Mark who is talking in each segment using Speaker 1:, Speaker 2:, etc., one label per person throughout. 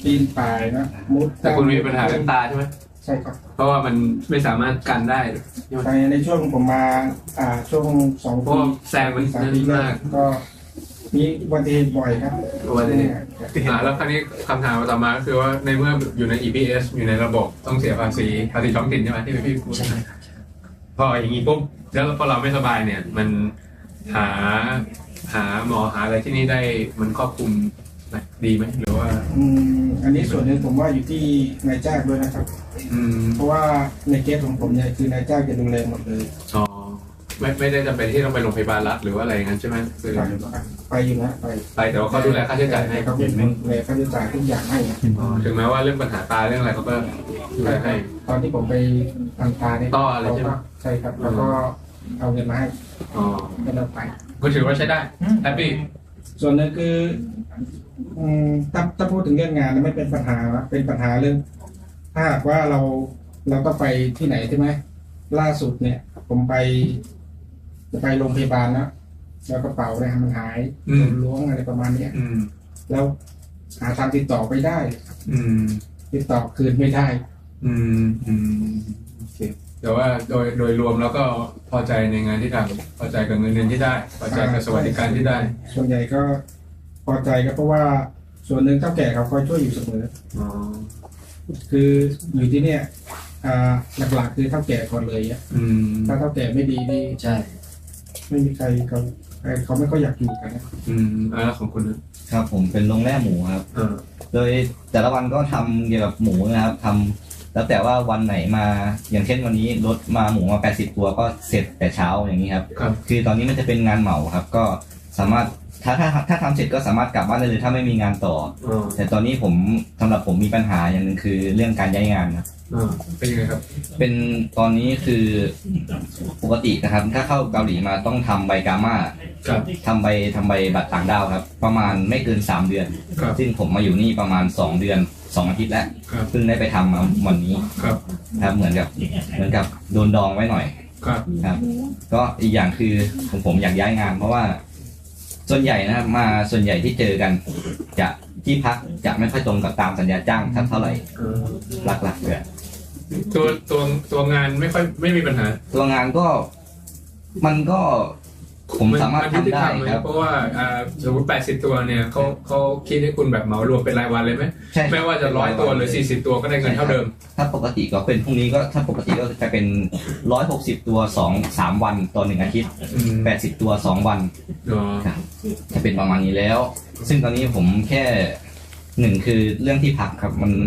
Speaker 1: ปีนป่ายนะมุด
Speaker 2: แต่คุณมีปัญหาเรื่องตาใช่ไหม
Speaker 1: ใช่ครับ
Speaker 2: เพราะว่ามันไม่สามารถกันได้
Speaker 1: ในช่วงผมมาช่วง2 ปี
Speaker 2: แซงมัน
Speaker 1: 3 ปีมากก็มีอุบัติเหตุบ่อยครับ
Speaker 2: อุบัติเหตุแล้วคราวนี้คำถามต่อมาก็คือว่าในเมื่ออยู่ใน EPS อยู่ในระบบต้องเสียภาษีท้องถิ่นใช่ไหมที่พี่พูดพออย่างนี้ปุ๊บแล้วพอเราไม่สบายเนี่ยมันหาหมอหาอะไรที่นี่ได้มันครอบคลุมดีไหมหรือว่า
Speaker 1: อันนี้ส่วนหนึ่งผมว่าอยู่ที่นายจ้างด้วยนะครับเพราะว่าในเคสของผมเนี่ยคือนายจ้างจะดูแลหมดเลย
Speaker 2: อ๋อไม่ได้จำเป็นที่ต้องไปโรงพยาบาลรัฐหรือว่าอะไรอย่างนั้นใช่ไหม
Speaker 1: ไปอยู่นะ
Speaker 2: ไปแต่ว่าเขาดูแลค่าใช้จ่ายให้
Speaker 1: เขาดูแลค่าใช้จ่ายทุกอย่างให้
Speaker 2: ถึงแม้ว่าเรื่องปัญหาตาเรื่องอะไรเขาก็ดูแลให้
Speaker 1: ตอนที่ผมไปทำตาเนี่ย
Speaker 2: ต่ออะไรใช่ไหม
Speaker 1: ใช่ครับแล้วก็เอาเงินมาให้ก็เราไป
Speaker 2: ก็ถือว่าใช้ได้แฮปปี้
Speaker 1: ส่วนนึงคือถ้าพูดถึงเรื่องงานไม่เป็นปัญหาเป็นปัญหาเรื่องถ้าหากว่าเราต้องไปที่ไหนใช่ไหมล่าสุดเนี่ยผมจะไปโรงพยาบาลนะแล้วกระเป๋าเนี่ยมันหายล้วงอะไรประมาณนี้แล้วหาทางติดต่อไปได้ติดต่อคืนไม่ได้
Speaker 2: โอเคแต่ว่าโดยรวมแล้วก็พอใจในงานที่ทำพอใจกับเงินเดือนที่ได้พอใจกับสวัสดิการที่ได้
Speaker 1: ส่วนใหญ่ก็พอใจก็เพราะว่าส่วนหนึ่งเฒ่าแก่เขาคอยช่วยอยู่เสมอคืออยู่ที่เนี่ยหลักๆคือเฒ่าแก่ก่อนเลยถ้าเฒ่าแก่ไม่ดีนี่
Speaker 3: ใช่
Speaker 1: ไม่มีใครเขาไม่ค่อยอยากอยู่กันนะ
Speaker 2: แล้วของคุณ
Speaker 3: ครับผมเป็นโรงแรมหมูครับโดยแต่ละวันก็ทำเกี่ยวกับหมูนะครับทำแล้วแต่ว่าวันไหนมาอย่างเช่นวันนี้รถมาหมูมา80 ตัวก็เสร็จแต่เช้าอย่างนี้ครับคือตอนนี้มันจะเป็นงานเหมาครับก็สามารถถ้าทำเสร็จก็สามารถกลับบ้านได้เลยถ้าไม่มีงานต่อแต่ตอนนี้สำหรับผมมีปัญหาอย่างนึงคือเรื่องการย้ายงานครับ
Speaker 2: เป็นยังไงครับ
Speaker 3: เป็นตอนนี้คือปกตินะครับถ้าเข้าเกาหลีมาต้องทำใบกาม่าทำใบบัตรต่างด้าวครับประมาณไม่เกิน3 เดือนซึ่งผมมาอยู่นี่ประมาณ2 เดือน2 อาทิตย์แล้วเพิ่งได้ไปทำมาวันนี้ครับเหมือนกับโดนดองไว้หน่อยครับก็อีกอย่างคือผมอยากย้ายงานเพราะว่าส่วนใหญ่นะครับส่วนใหญ่ที่เจอกันจะที่พักจะไม่ค่อยตรงกับตามสัญญาจ้างเท่าไหร่หลักๆเลย
Speaker 2: ตัวงานไม่มีปัญหา
Speaker 3: ตัวงานก็มันก็ผมสามารถทำได้ครับ
Speaker 2: เพราะว่าสมมติ80 ตัวเนี่ยเขาคิดให้คุณแบบเหมารวมเป็นรายวันเลยไหมไม่ว่าจะ100 ตัวหรือ40 ตัวก็ได้เงินเท่าเดิม
Speaker 3: ถ้าปกติก็เป็นพรุ่งนี้ก็ถ้าปกติก็จะเป็น160 ตัว3 วันต่อ1 อาทิตย์80 ตัว2 วันครับจะเป็นประมาณนี้แล้วซึ่งตอนนี้ผมแค่1คือเรื่องที่พักครับมัน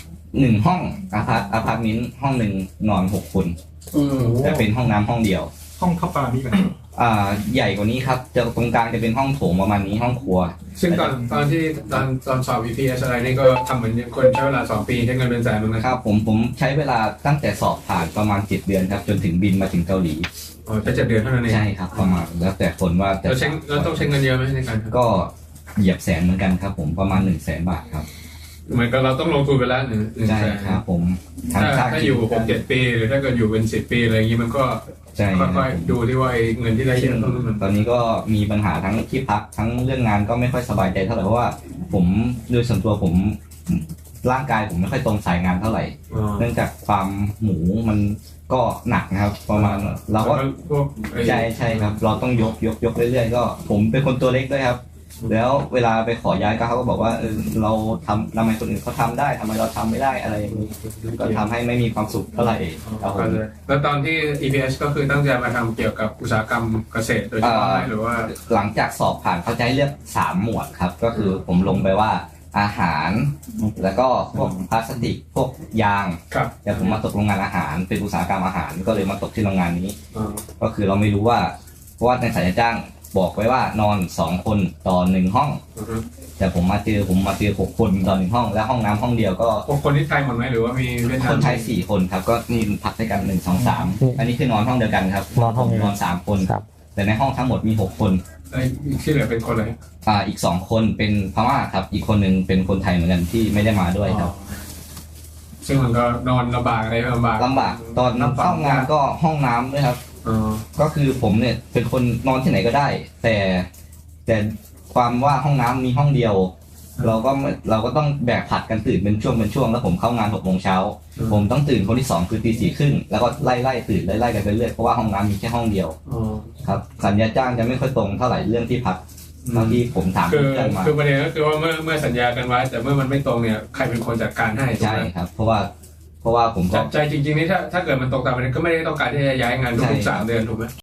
Speaker 3: 1 ห้องอพาร์ตเมนต์ห้องหนึ่งนอน6 คนแต่เป็นห้องน้ำห้องเดียว
Speaker 2: ห้องเท่าปานี่กัน
Speaker 3: ใหญ่กว่านี้ครับจะตรงกลางจะเป็นห้องโถงประมาณนี้ห้องครัว
Speaker 2: ซึ่งตอนสอบ VPS อะไรนี่ก็ทำเหมือนคนใช้เวลา2 ปีใช้เงินเป็นแสนเหมือนกัน
Speaker 3: ครับผมใช้เวลาตั้งแต่สอบผ่านประมาณ7 เดือนครับจนถึงบินมาถึงเกาหลี
Speaker 2: แค่7 เดือนเท่านั้นเอง
Speaker 3: ใช่ครับประมาณแล้วแต่คนว่า
Speaker 2: เราต้องใช้เงินเยอะไหมในการ
Speaker 3: ก็เหยียบแสนเหมือนกันครับผมประมาณ100,000 บาทครับ
Speaker 2: เหมือนกับเราต้องลงทุนไปแล้ว
Speaker 3: ใช่ครับผม
Speaker 2: ถ้าอยู่6-7 ปีหรือถ้าเกิดอยู่เป็น10 ปีอะไรอย่างนี้มันก็ค่อยๆดูที่ว่าเงินที่ได้เยอะ
Speaker 3: ตอนนี้ก็มีปัญหาทั้งที่พักทั้งเรื่องงานก็ไม่ค่อยสบายใจเท่าไหร่เพราะว่าผมโดยส่วนตัวผมร่างกายผมไม่ค่อยตรงสายงานเท่าไหร่เนื่องจากความหมูมันก็หนักนะครับประมาณเราก็ใช่ครับเราต้องยกเรื่อยๆก็ผมเป็นคนตัวเล็กด้วยครับแล้วเวลาไปขอย้ายก็เขาก็บอกว่าเราทำไมคนอื่นเขาทำได้ทำไมเราทำไม่ได้อะไรอย่างนี้ก็ทำให้ไม่มีความสุขเท่าไหร่
Speaker 2: แล้วตอนที่ EPS ก็คือตั้งใจมาทำเกี่ยวกับอุตสาหกรรมเกษตรโดยเฉพาะหรือว่า
Speaker 3: หลังจากสอบผ่านเขาจะให้เลือก3 หมวดครับก็คือผมลงไปว่าอาหารแล้วก็พวกพลาสติกพวกยางแต่ผมมาตกโรงงานอาหารเป็นอุตสาหกรรมอาหารก็เลยมาตกที่โรงงานนี้ก็คือเราไม่รู้ว่าเพราะว่าในสัญญาจ้างบอกไว้ว่านอน2 คนต่อ1 ห้องแต่ผมมาเจอ6 คนต่อ1 ห้องและห้องน้ำห้องเดียวก็
Speaker 2: 6 คนที่ไทยหมดไหมหรือว่ามีเวียดนาม
Speaker 3: คนไทย4 คนครับก็นี่พักด้วยกัน1 2 3อันนี้คือนอนห้องเดียวกันครับนอน3 คนแต่ในห้องทั้งหมดมี6 คน
Speaker 2: ที่เหลือเป็นคนอะไร
Speaker 3: อีก2 คนเป็นพม่าครับอีกคนหนึ่งเป็นคนไทยเหมือนกันที่ไม่ได้มาด้วยครับ
Speaker 2: ซึ่งมันก็นอนลำบากอะไรลำบาก
Speaker 3: ตอนเข้างานก็ห้องน้ำด้วยครับก็คือผมเนี่ยเป็นคนนอนที่ไหนก็ได้แต่ความว่าห้องน้ำมีห้องเดียวเราก็ต้องแบกผัดกันตื่นเป็นช่วงแล้วผมเข้างาน6 โมงเช้าผมต้องตื่นคนที่2คือตี 4 ครึ่งแล้วก็ไล่ตื่นไล่กันไปเรื่อยเพราะว่าห้องน้ำมีแค่ห้องเดียวครับสัญญาจ้างจะไม่ค่อยตรงเท่าไหร่เรื่องที่พักเท่าที่ผมถาม
Speaker 2: คือ
Speaker 3: เพื่อนมา
Speaker 2: คือประเด็นก็คือว่าเมื่อสัญญากันไว้แต่เมื่อมันไม่ตรงเนี่ยใครเป็นคนจัดการให้ถูก
Speaker 3: ใช่
Speaker 2: ไหม
Speaker 3: ครับเพราะว่าผมก็
Speaker 2: ใจจริงๆนี่ถ้าเกิดมันตกตามประเด็นก็ไม่ได้ต้องการที่จะย้ายงานทุกๆ3 เดือนถูกไหม